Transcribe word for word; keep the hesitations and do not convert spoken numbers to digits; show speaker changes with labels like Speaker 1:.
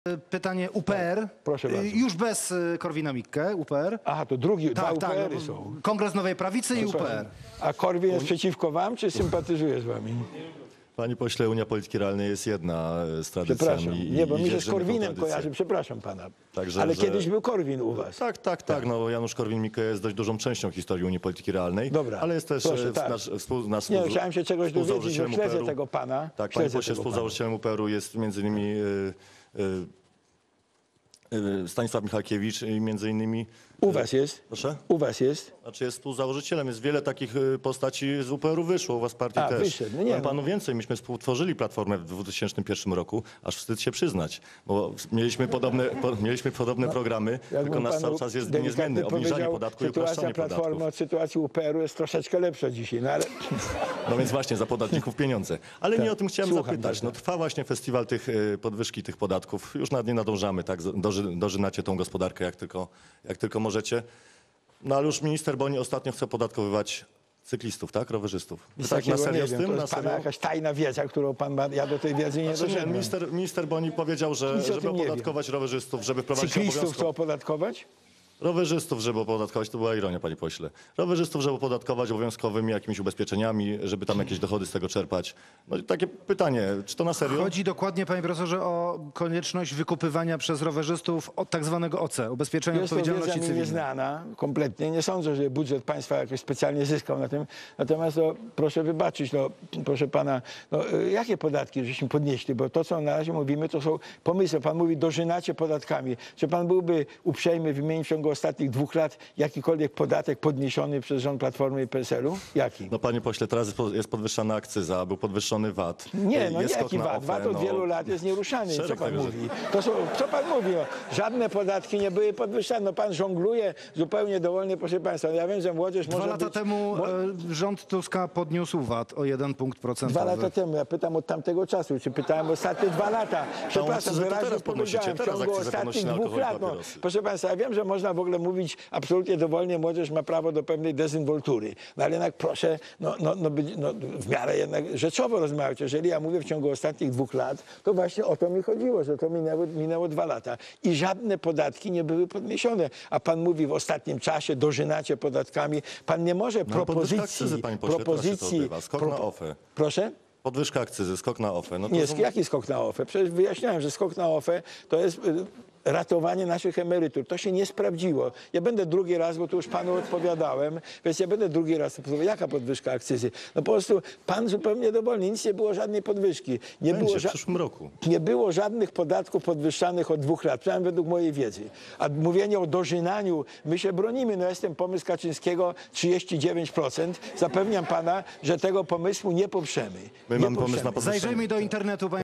Speaker 1: Pytanie U P R.
Speaker 2: Proszę bardzo.
Speaker 1: Już bez Korwina-Mikke, U P R.
Speaker 2: Aha, to drugi, dwa
Speaker 1: Tak, tak.
Speaker 2: U P R-y są.
Speaker 1: Kongres Nowej Prawicy i U P R.
Speaker 2: A Korwin jest przeciwko wam, czy sympatyzuje z wami?
Speaker 3: Panie pośle, Unia Polityki Realnej jest jedna z tradycjami.
Speaker 2: Przepraszam,
Speaker 3: i-
Speaker 2: nie, bo
Speaker 3: i
Speaker 2: mi się z
Speaker 3: dzierżymy tą
Speaker 2: Korwinem
Speaker 3: tradycję.
Speaker 2: kojarzy, przepraszam pana.
Speaker 3: Także,
Speaker 2: Ale
Speaker 3: że-
Speaker 2: kiedyś był Korwin u was.
Speaker 3: Tak, tak, tak. No, Janusz Korwin-Mikke jest dość dużą częścią historii Unii Polityki Realnej.
Speaker 2: Dobra,
Speaker 3: Ale jest też
Speaker 2: proszę,
Speaker 3: e,
Speaker 2: tak.
Speaker 3: nasz, współ, nasz
Speaker 2: Nie,
Speaker 3: współ-
Speaker 2: chciałem się czegoś dowiedzieć, bo
Speaker 3: współzałożycielem
Speaker 2: śledzę
Speaker 3: U P R-u.
Speaker 2: tego pana.
Speaker 3: Tak, panie
Speaker 2: śledzę
Speaker 3: pośle,
Speaker 2: tego pana.
Speaker 3: współzałożycielem U P R-u jest między innymi e, e, e, Stanisław Michalkiewicz i między innymi...
Speaker 2: U was jest?
Speaker 3: Proszę?
Speaker 2: U was jest?
Speaker 3: Znaczy jest współzałożycielem, jest wiele takich y, postaci z U P R-u wyszło, u was partii
Speaker 2: A,
Speaker 3: też.
Speaker 2: wyszedł, no nie,
Speaker 3: Powiem
Speaker 2: no.
Speaker 3: panu więcej, myśmy współtworzyli Platformę w dwa tysiące pierwszym roku, aż wstyd się przyznać, bo mieliśmy podobne, po, mieliśmy podobne programy, tylko
Speaker 2: Jakbym
Speaker 3: nasz
Speaker 2: panu
Speaker 3: cały czas jest
Speaker 2: delikatnie
Speaker 3: niezmienny, obniżanie
Speaker 2: powiedział,
Speaker 3: podatku i
Speaker 2: sytuacja
Speaker 3: upraszczanie
Speaker 2: Platformy
Speaker 3: podatków.
Speaker 2: od sytuacji U P R-u jest troszeczkę lepsza dzisiaj, no ale...
Speaker 3: No więc właśnie, za podatników pieniądze. Ale nie o tym chciałem
Speaker 2: Słucham
Speaker 3: zapytać.
Speaker 2: bardzo.
Speaker 3: No, trwa właśnie festiwal tych y, podwyżki tych podatków. Już nad nie nadążamy, tak? Doży, dożynacie tą gospodarkę jak tylko, jak tylko możecie. No ale już minister Boni ostatnio chce podatkowywać cyklistów, tak? Rowerzystów.
Speaker 2: Nic
Speaker 3: Tak na
Speaker 2: takiego
Speaker 3: serio
Speaker 2: nie
Speaker 3: z
Speaker 2: wiem,
Speaker 3: tym?
Speaker 2: to
Speaker 3: Na
Speaker 2: jest pana
Speaker 3: serio?
Speaker 2: jakaś tajna wiedza, którą pan ma, ja do tej wiedzy nie
Speaker 3: Znaczy nie,
Speaker 2: doszedłem.
Speaker 3: minister, minister Boni powiedział, że
Speaker 2: Nic o
Speaker 3: żeby
Speaker 2: tym nie
Speaker 3: opodatkować rowerzystów, żeby wprowadzić
Speaker 2: Cyklistów chcą
Speaker 3: obowiązkowo...
Speaker 2: opodatkować?
Speaker 3: Rowerzystów, żeby opodatkować, to była ironia, panie pośle. Rowerzystów, żeby opodatkować obowiązkowymi jakimiś ubezpieczeniami, żeby tam jakieś dochody z tego czerpać. No i takie pytanie, czy to na serio?
Speaker 1: Chodzi dokładnie, panie profesorze, o konieczność wykupywania przez rowerzystów od tak zwanego O C, Ubezpieczenia
Speaker 2: Jest to wiedza
Speaker 1: Odpowiedzialności
Speaker 2: mi
Speaker 1: Cywilnej.
Speaker 2: nieznana kompletnie. Nie sądzę, że budżet państwa jakoś specjalnie zyskał na tym. Natomiast no, proszę wybaczyć, no, proszę pana, no, y, jakie podatki żeśmy podnieśli? Bo to, co na razie mówimy, to są pomysły. Pan mówi, dożynacie podatkami. Czy pan byłby uprzejmy wymienić w ciągu ostatnich dwóch lat jakikolwiek podatek podniesiony przez rząd Platformy i P S L-u? Jaki?
Speaker 3: No panie pośle, teraz jest po- jest podwyższana akcyza, był podwyższony V A T.
Speaker 2: Nie, no
Speaker 3: jest
Speaker 2: nie
Speaker 3: skok
Speaker 2: jaki
Speaker 3: na
Speaker 2: V A T.
Speaker 3: O F E,
Speaker 2: V A T od
Speaker 3: no.
Speaker 2: wielu lat jest nieruszany. Co
Speaker 3: Szereg
Speaker 2: pan
Speaker 3: tego, że-
Speaker 2: mówi? To są, co pan mówi? No, żadne podatki nie były podwyższane. No, pan żongluje zupełnie dowolnie, proszę państwa. Ja wiem, że młodzież
Speaker 1: Dwa
Speaker 2: może
Speaker 1: lata
Speaker 2: być...
Speaker 1: temu
Speaker 2: mo-
Speaker 1: e, rząd Tuska podniósł V A T o jeden punkt procentowy.
Speaker 2: Dwa lata temu, ja pytam od tamtego czasu, czy pytałem ostatnie dwa lata. Przepraszam,
Speaker 3: akcyzę to
Speaker 2: wyraźnie
Speaker 3: teraz podnosicie,
Speaker 2: powiedziałem, w
Speaker 3: teraz
Speaker 2: ciągu
Speaker 3: akcyzę podnosi
Speaker 2: ostatnich
Speaker 3: na
Speaker 2: dwóch
Speaker 3: alkohol i
Speaker 2: lat. No,
Speaker 3: papierosy.
Speaker 2: proszę państwa, ja wiem, że można w ogóle mówić absolutnie dowolnie, młodzież ma prawo do pewnej dezynwoltury. No ale jednak proszę, no, no, no, być, no w miarę jednak rzeczowo rozmawiać. Jeżeli ja mówię w ciągu ostatnich dwóch lat, to właśnie o to mi chodziło, że to minęło, minęło dwa lata. I żadne podatki nie były podniesione. A pan mówi w ostatnim czasie, dożynacie podatkami. Pan nie może
Speaker 3: No, podwyżka
Speaker 2: propozycji...
Speaker 3: akcyzy, panie pośle, teraz się to
Speaker 2: propozycji
Speaker 3: odbywa. Skok na O F E.
Speaker 2: Proszę?
Speaker 3: Podwyżka akcyzy, skok na O F E. No to
Speaker 2: Nie,
Speaker 3: są-
Speaker 2: jaki skok na O F E? Przecież wyjaśniałem, że skok na O F E to jest y, ratowanie naszych emerytur. To się nie sprawdziło. Ja będę drugi raz, bo tu już panu odpowiadałem, więc ja będę drugi raz odpowiadał. Jaka podwyżka akcyzy? No po prostu pan zupełnie dowolny. Nic nie było żadnej podwyżki. Nie,
Speaker 3: Będzie
Speaker 2: było,
Speaker 3: w
Speaker 2: ża-
Speaker 3: przyszłym roku.
Speaker 2: nie było żadnych podatków podwyższanych od dwóch lat, przynajmniej według mojej wiedzy. A mówienie o dożynaniu, my się bronimy. No jest ten pomysł Kaczyńskiego trzydzieści dziewięć procent. Zapewniam pana, że tego pomysłu nie poprzemy.
Speaker 3: My
Speaker 2: nie
Speaker 3: mamy pomysł na
Speaker 2: poprzemy.
Speaker 3: podwyższenie.
Speaker 1: Zajrzyjmy do internetu, panie